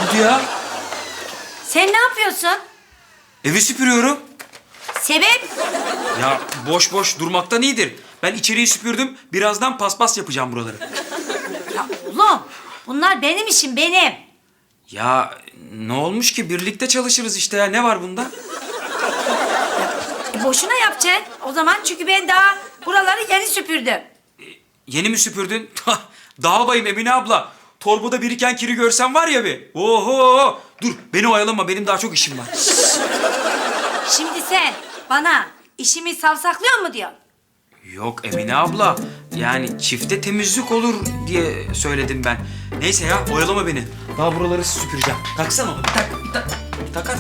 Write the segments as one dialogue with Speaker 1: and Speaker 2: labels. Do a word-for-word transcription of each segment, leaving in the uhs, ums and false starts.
Speaker 1: oldu ya?
Speaker 2: Sen ne yapıyorsun?
Speaker 1: Evi süpürüyorum.
Speaker 2: Sebep?
Speaker 1: Ya boş boş durmaktan iyidir. Ben içeriği süpürdüm. Birazdan paspas yapacağım buraları.
Speaker 2: Ya oğlum bunlar benim işim benim.
Speaker 1: Ya ne olmuş ki? Birlikte çalışırız işte ya. Ne var bunda?
Speaker 2: E, boşuna yapacaksın o zaman çünkü ben daha buraları yeni süpürdüm.
Speaker 1: Yeni mi süpürdün? Daha bayım Emine abla. Torbada biriken kiri görsen var ya bir. Oho! Dur beni oyalama. Benim daha çok işim var.
Speaker 2: Şimdi sen bana işimi savsaklıyor mu diyorsun?
Speaker 1: Yok Emine abla. Yani çifte temizlik olur diye söyledim ben. Neyse ya oyalama beni. Daha buraları süpüreceğim. Taksana onu. Bir tak, bir tak. Bir takar.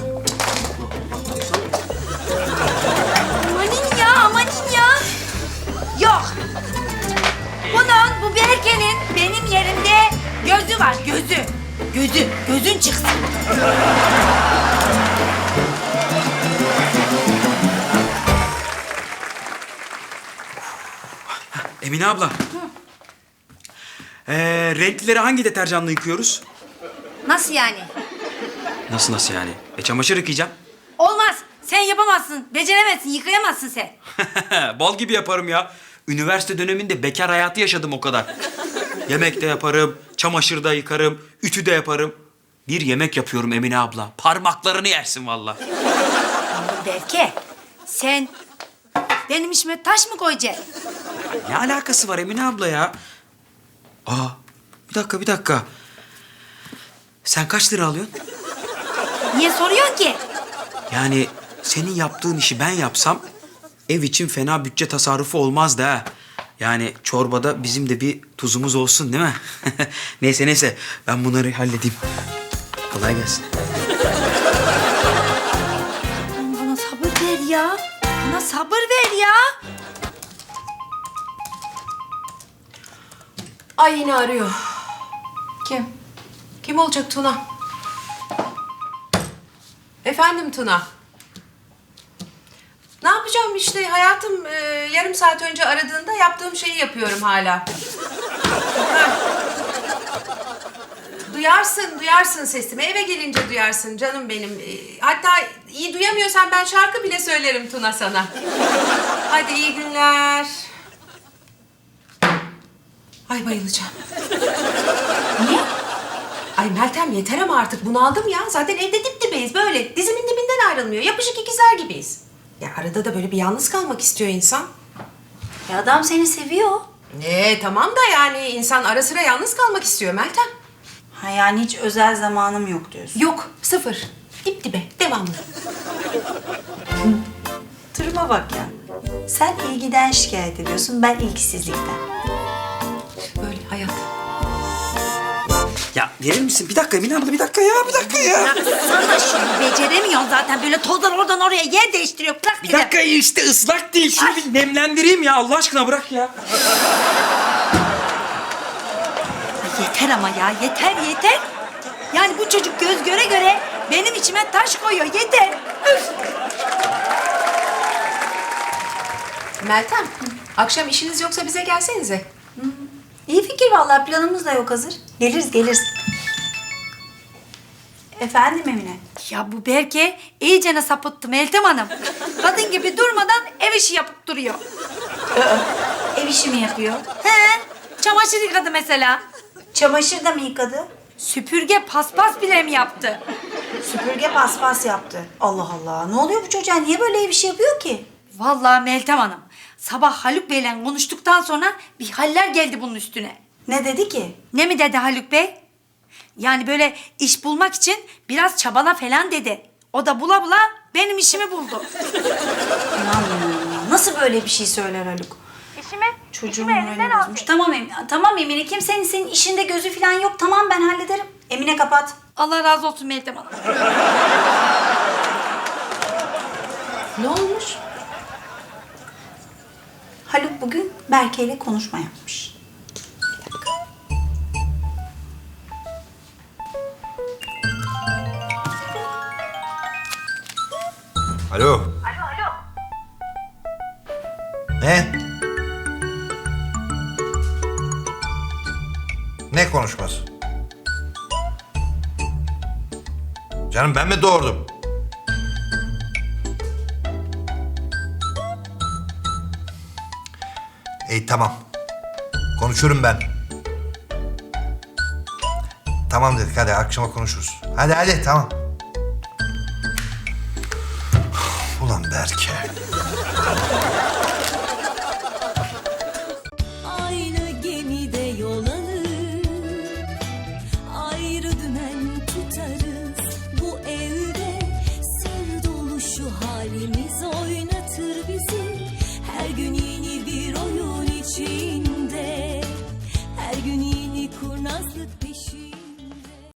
Speaker 2: Amanin ya amanin ya. Yok. Bunun bu Berke'nin benim yerimde gözü var gözü. Gözü gözün çıksın.
Speaker 1: Emine abla. Ee, renklileri hangi deterjanla yıkıyoruz?
Speaker 2: Nasıl yani?
Speaker 1: Nasıl nasıl yani? E çamaşır yıkayacağım.
Speaker 2: Olmaz. Sen yapamazsın. Beceremezsin. Yıkayamazsın sen.
Speaker 1: Bal gibi yaparım ya. Üniversite döneminde bekar hayatı yaşadım o kadar. Yemek de yaparım, çamaşır da yıkarım, ütü de yaparım. Bir yemek yapıyorum Emine abla. Parmaklarını yersin vallahi.
Speaker 2: Berke sen benim işime taş mı koyacaksın?
Speaker 1: Ne alakası var Emine abla ya? Aa, bir dakika bir dakika. Sen kaç lira alıyorsun?
Speaker 2: Niye soruyorsun ki?
Speaker 1: Yani senin yaptığın işi ben yapsam ev için fena bütçe tasarrufu olmazdı ha. Yani çorbada bizim de bir tuzumuz olsun değil mi? Neyse neyse ben bunları halledeyim. Kolay gelsin.
Speaker 2: Bana sabır ver ya. Bana sabır ver ya.
Speaker 3: Ay yine arıyor. Kim? Kim olacak Tuna? Efendim Tuna. Ne yapacağım işte hayatım e, yarım saat önce aradığında yaptığım şeyi yapıyorum hala. Heh. Duyarsın, duyarsın sesimi. Eve gelince duyarsın canım benim. E, hatta iyi duyamıyorsan ben şarkı bile söylerim Tuna sana. Hadi iyi günler. Ay bayılacağım. Niye? Ay Meltem yeter ama artık bunaldım ya. Zaten evde dip dibeyiz böyle. Dizimin dibinden ayrılmıyor. Yapışık ikizler gibiyiz. Ya arada da böyle bir yalnız kalmak istiyor insan.
Speaker 2: Ya adam seni seviyor.
Speaker 3: Ee tamam da yani insan ara sıra yalnız kalmak istiyor Meltem.
Speaker 2: Ha yani hiç özel zamanım yok diyorsun.
Speaker 3: Yok sıfır. Dip dibe devamlı.
Speaker 4: Duruma bak ya. Sen ilgiden şikayet ediyorsun, ben ilgisizlikten.
Speaker 3: Böyle hayat.
Speaker 1: Ya verir misin? Bir dakika Emine abla bir dakika ya bir dakika ya.
Speaker 2: Bıraksana şunu. Beceremiyorsun zaten. Böyle tozdan oradan oraya yer değiştiriyor. Bırak
Speaker 1: Bir dakika işte ıslak değil. Şunu bir nemlendireyim ya Allah aşkına bırak ya.
Speaker 2: Ay yeter ama ya. Yeter yeter. Yani bu çocuk göz göre göre benim içime taş koyuyor. Yeter. Üf.
Speaker 3: Meltem akşam işiniz yoksa bize gelsenize.
Speaker 4: İyi fikir vallahi, planımız da yok hazır. Geliriz geliriz. Efendim Emine?
Speaker 2: Ya bu Berke iyicene sapıttı Meltem Hanım. Kadın gibi durmadan ev işi yapıp duruyor.
Speaker 4: Ev işi mi yapıyor?
Speaker 2: He, çamaşır yıkadı mesela.
Speaker 4: Çamaşır da mı yıkadı?
Speaker 2: Süpürge paspas bile mi yaptı?
Speaker 4: Süpürge paspas yaptı. Allah Allah. Ne oluyor bu çocuğa? Niye böyle ev işi yapıyor ki?
Speaker 2: Vallahi Meltem Hanım, sabah Haluk Bey'le konuştuktan sonra bir haller geldi bunun üstüne.
Speaker 4: Ne dedi ki?
Speaker 2: Ne mi dedi Haluk Bey? Yani böyle iş bulmak için biraz çabala falan dedi. O da bula bula benim işimi buldu.
Speaker 4: İnanmıyorum ya. Nasıl böyle bir şey söyler Haluk?
Speaker 2: İşimi,
Speaker 4: Çocuğun moralini bozmuş. Tamam Emine, tamam Emine. Kimsenin senin işinde gözü falan yok. Tamam ben hallederim. Emine kapat.
Speaker 2: Allah razı olsun Meltem Hanım.
Speaker 3: Ne olmuş?
Speaker 4: Haluk bugün Berke ile konuşma yapmış. Bir dakika.
Speaker 5: Alo. Alo, alo. Ne? Ne konuşması? Canım ben mi doğurdum? İyi tamam. Konuşurum ben. Tamam dedik hadi akşama konuşuruz. Hadi hadi tamam. Ulan Berke.